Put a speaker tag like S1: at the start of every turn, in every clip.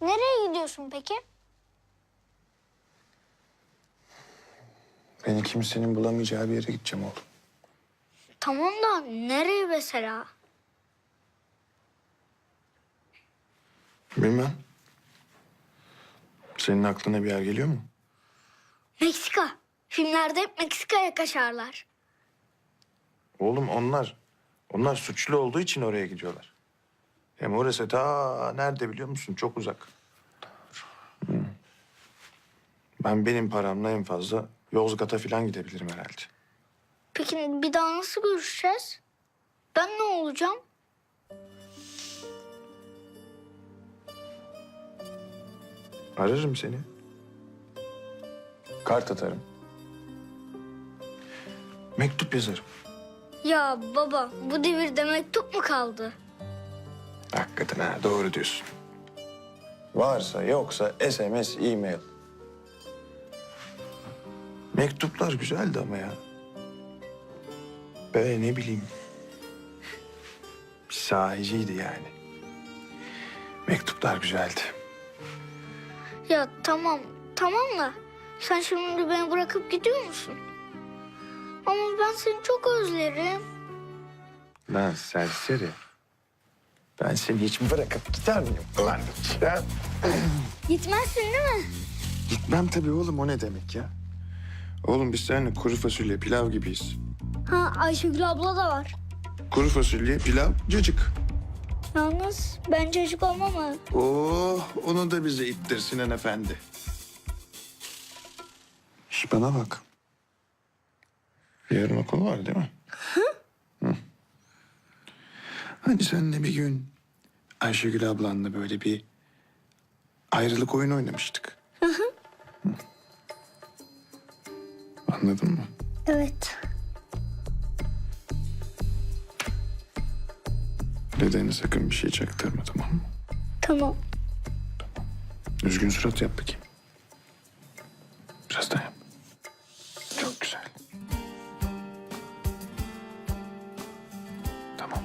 S1: Nereye gidiyorsun peki?
S2: Beni kimsenin bulamayacağı bir yere gideceğim oğlum.
S1: Tamam da nereye mesela?
S2: Bilmem. Senin aklına bir yer geliyor mu?
S1: Meksika. Filmlerde hep Meksika'ya kaçarlar.
S2: Oğlum onlar suçlu olduğu için oraya gidiyorlar. Hem orası ta nerede biliyor musun? Çok uzak. Benim paramla en fazla Yozgat'a falan gidebilirim herhalde.
S1: Peki bir daha nasıl görüşeceğiz? Ben ne olacağım?
S2: Ararım seni. Kart atarım. Mektup yazarım.
S1: Ya baba, bu devirde mektup mu kaldı?
S2: Hakikaten ha, doğru diyorsun. Varsa yoksa SMS, e-mail. Mektuplar güzeldi ama ya. Böyle ne bileyim. Bir sahiciydi yani. Mektuplar güzeldi.
S1: Ya tamam da sen şimdi beni bırakıp gidiyor musun? Ama ben seni çok özlerim.
S2: Lan serseri. Ben seni hiç bırakıp gider miyim? Ulan ya.
S1: Gitmezsin değil mi?
S2: Gitmem tabii oğlum, o ne demek ya? Oğlum biz seninle kuru fasulye, pilav gibiyiz.
S1: Ha, Ayşegül abla da var.
S2: Kuru fasulye, pilav, cacık.
S1: Yalnız ben çocuk olmam mı?
S2: Oh, onu da bize ittir Sinan Efendi. Şş, bana bak. Yarın okul var değil mi? Hı. Hani seninle bir gün Ayşegül ablanla böyle bir ayrılık oyunu oynamıştık. Hı. Anladın mı?
S1: Evet.
S2: Dedene sakın bir şey çaktırma, tamam mı?
S1: Tamam.
S2: Üzgün surat yap bakayım. Biraz daha yap. Çok güzel. Tamam.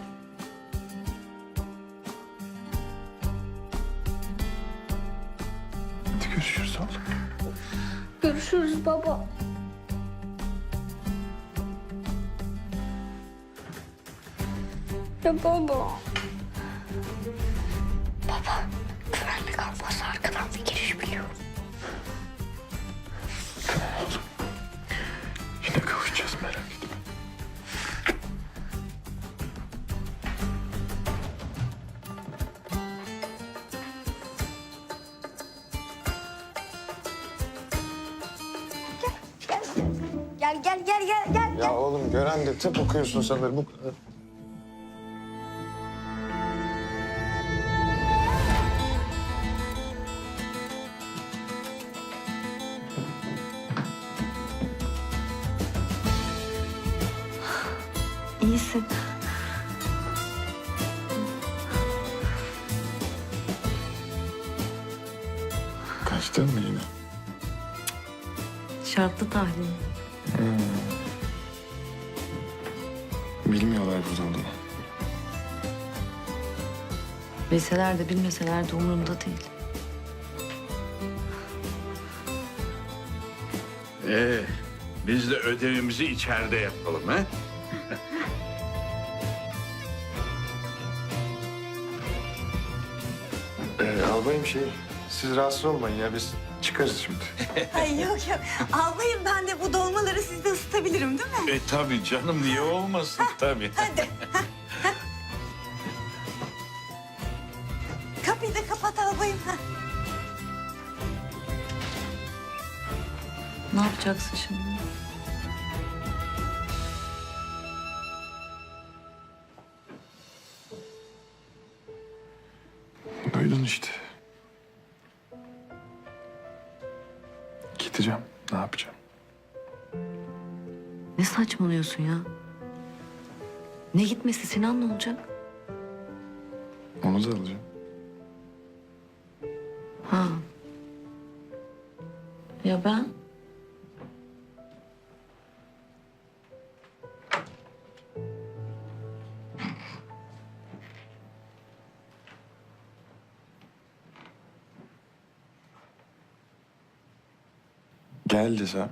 S2: Hadi görüşürüz oğlum.
S1: Görüşürüz baba. Ya baba. Baba, güvenlik alması arkadan bir giriş biliyorum.
S2: Tamam oğlum. Yine kavuşacağız, merak etme.
S1: Gel.
S2: Ya oğlum gören de tıp okuyorsun sanır bu kadar.
S3: İyisin.
S2: Kaçtın mı yine?
S3: Şartlı tahlil.
S2: Bilmiyorlar burada olduğunu.
S3: Bilseler de bilmeseler de umurumda değil.
S4: Biz de ödevimizi içeride yapalım ha?
S2: Albayım siz rahatsız olmayın ya, biz çıkarız şimdi.
S5: Ay yok. Albayım, ben de bu dolmaları sizde ısıtabilirim değil mi?
S4: Tabii canım, niye olmasın tabii.
S5: Hadi. Kapıyı da kapat albayım.
S3: Ne yapacaksın şimdi?
S2: Duydun işte. Gideceğim, ne yapacağım?
S3: Ne saçmalıyorsun ya? Ne gitmesi, Sinan ne olacak?
S2: Onu da alacağım.
S3: Ha. Ya ben?
S2: Gel desem.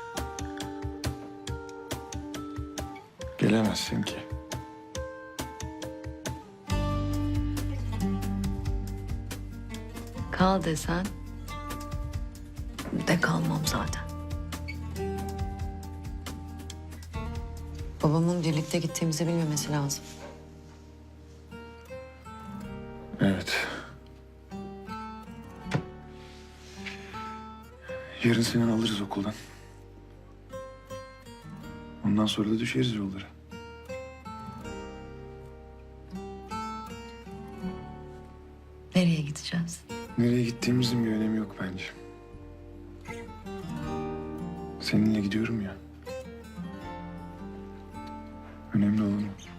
S2: Gelemezsin ki.
S3: Kal desen de kalmam zaten. Babamın birlikte gittiğimizi bilmemesi lazım.
S2: Evet. Yarın seni alırız okuldan. Ondan sonra da düşeriz yollara.
S3: Nereye gideceğiz?
S2: Nereye gittiğimizin bir önemi yok bence. Seninle gidiyorum ya. Önemli olan o.